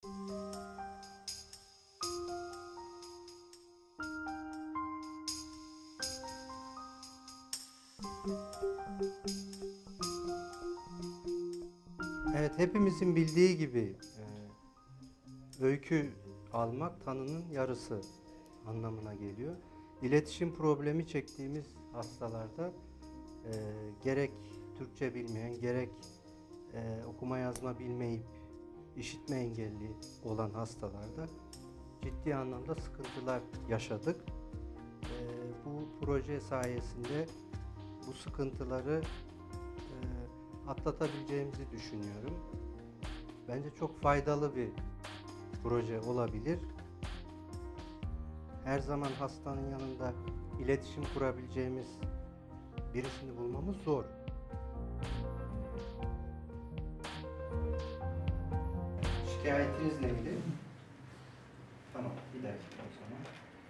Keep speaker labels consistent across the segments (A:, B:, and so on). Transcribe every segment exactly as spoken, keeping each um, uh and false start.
A: Evet, hepimizin bildiği gibi e, öykü almak tanının yarısı anlamına geliyor. İletişim problemi çektiğimiz hastalarda e, gerek Türkçe bilmeyen, gerek e, okuma yazma bilmeyip işitme engelli olan hastalarda ciddi anlamda sıkıntılar yaşadık. E, bu proje sayesinde bu sıkıntıları e, atlatabileceğimizi düşünüyorum. Bence çok faydalı bir proje olabilir. Her zaman hastanın yanında iletişim kurabileceğimiz birisini bulmamız zor. Şikayetiniz neydi? Tamam, bir dakika o zaman.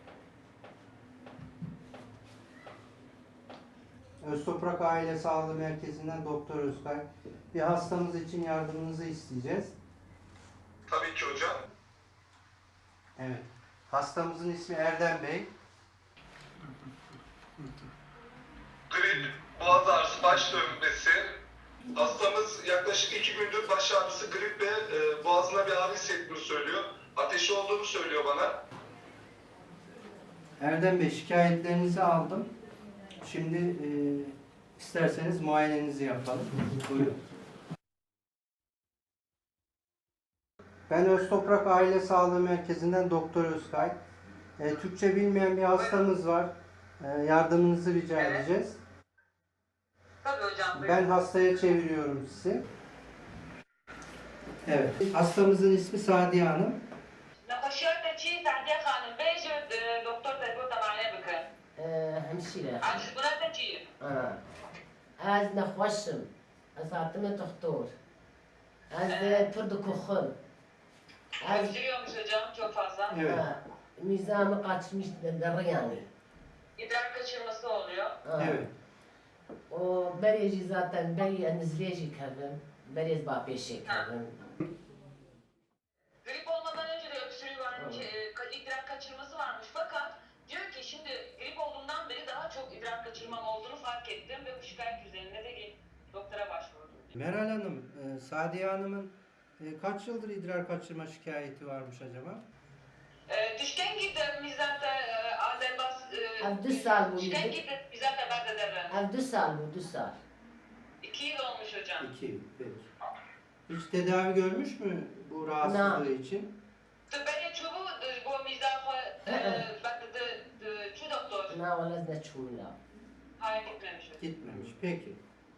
A: Öztoprak Aile Sağlığı Merkezi'nden Doktor Özkay. Bir hastamız için yardımınızı isteyeceğiz.
B: Tabii ki hocam.
A: Evet. Hastamızın ismi Erdem Bey.
B: Grip, boğaz ağrısı, baş dönmesi. Hastamız yaklaşık iki gündür baş ağrısı, grip ve e, boğazına bir ağrı hissettiğini söylüyor. Ateşi olduğunu söylüyor bana.
A: Erdem Bey, şikayetlerinizi aldım. Şimdi e, isterseniz muayenenizi yapalım. Buyurun. Ben Öztoprak Aile Sağlığı Merkezi'nden Doktor Özkay. E, Türkçe bilmeyen bir hastamız var. E, yardımınızı rica
C: Evet.
A: edeceğiz.
C: Tabii hocam.
A: Ben hastaya çeviriyorum sizi. Evet. Hastamızın ismi Sadiye Hanım.
C: نقاشات چی سعدیه خانم بیش دکتر تبو تمام بکن.
D: همشيرة
C: عجز بنات چی؟
D: اه از نخوشم از عاتم دكتور az pırdı kokun az
C: Öksürüyormuş hocam çok fazla.
A: Evet.
D: mizanı kaçmış derler yani.
C: İdrar kaçırması oluyor.
D: Ah.
A: Evet.
D: O bereci zaten beri anizleyici kaldım. Beri bapeşe kaldım.
C: Grip olmadan önce de öksürüğü varmış, e, ka- idrar kaçırması varmış fakat diyor ki şimdi grip olduğumdan beri daha çok idrar kaçırmam olduğunu fark ettim ve bu şikayet üzerine de gelip doktora başvurdum.
A: Meral Hanım, e, Sadiye Hanım'ın e, kaç yıldır idrar kaçırma şikayeti varmış acaba?
C: E, düşken gitti mizata Azerbaz
D: Av dü sal bu
C: düşken
D: yedi.
C: gitti mizata bende de
D: Av dü sal bu dü sal.
C: iki yıl olmuş hocam.
A: İki yıl. Peki. Hiç tedavi görmüş mü bu rahatsızlığı için?
C: Ben çubuğu bu mizahı bende de şu doktor.
D: Na wala da çumla.
C: Hayır gitmemiş hocam.
A: Gitmemiş. Peki.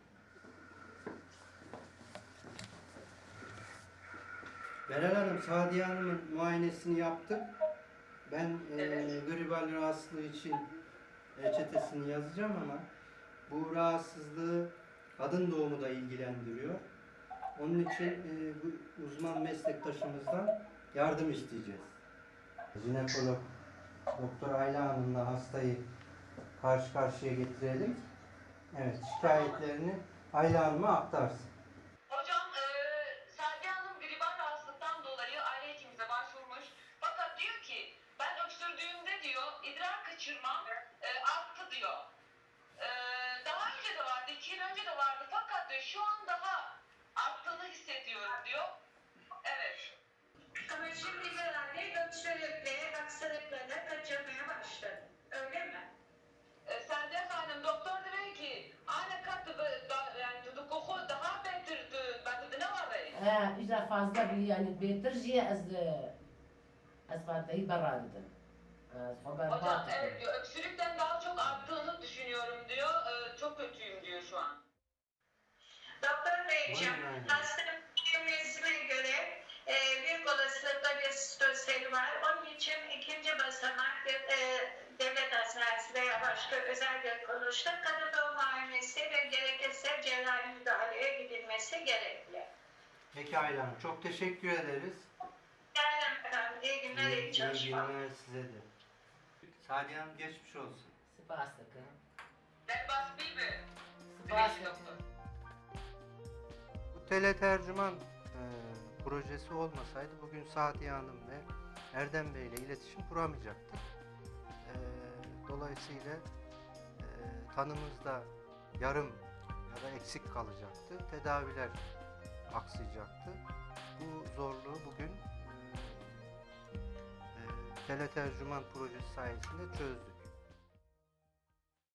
A: Meral Hanım, Sadiye Hanım'ın muayenesini yaptık. Ben e,
C: Evet.
A: gribal rahatsızlığı için reçetesini yazacağım ama bu rahatsızlığı kadın doğumu da ilgilendiriyor. Onun için e, bu uzman meslektaşımızdan yardım isteyeceğiz. Jinekolog Doktor Ayla Hanım'la hastayı karşı karşıya getirelim. Evet, şikayetlerini Ayla Hanım'a aktarsın.
C: Hocam e, Sadiye Hanım gribal rahatsızlıktan dolayı aile hekimimize başvurmuş. Fakat diyor ki ben öksürdüğümde diyor idrar kaçırmam e, arttı diyor. E, daha önce de vardı, iki yıl önce de vardı fakat diyor şu an daha arttığını hissediyorum diyor. Evet.
E: Ama şimdi herhalde öksürükle, hastalıklarla kaçırmaya başladı. Öyle mi?
C: E, Sadiye Hanım doktor dedi ki ana katı yani tutukuhu daha beter beter ne var?
D: Ha, işte fazla bir yani beterci az az fatayı baradım. Az haber
C: Hocam
D: batı.
C: evet diyor öksürükten daha çok arttığını düşünüyorum diyor. E, çok kötüyüm diyor şu an.
E: Doktor Beyciğim,
A: Buyurun aynen.
E: hastanın bilmesine göre e, büyük olasılıkla bir stoseli var. Onun için ikinci basamak bir e, devlet hastanesi veya başka özel bir kuruluşta kadın doğum muayenesi ve gerekirse cerrahi müdahaleye gidilmesi gerekli.
A: Peki Ayla Hanım, çok teşekkür ederiz.
E: Yani efendim, iyi günler, iyi,
A: İyi
E: çalışmalar.
A: günler size de. Sadiye Hanım geçmiş olsun.
D: Spastik.
C: Ben bas bir mi?
D: Spastik.
C: Doktor.
A: Bu teletercüman e, projesi olmasaydı bugün Sadiye Hanım ve Erdem Bey ile iletişim kuramayacaktık. E, dolayısıyla e, tanımızda yarım ya da eksik kalacaktı. Tedaviler aksayacaktı. Bu zorluğu bugün e, teletercüman projesi sayesinde çözdük.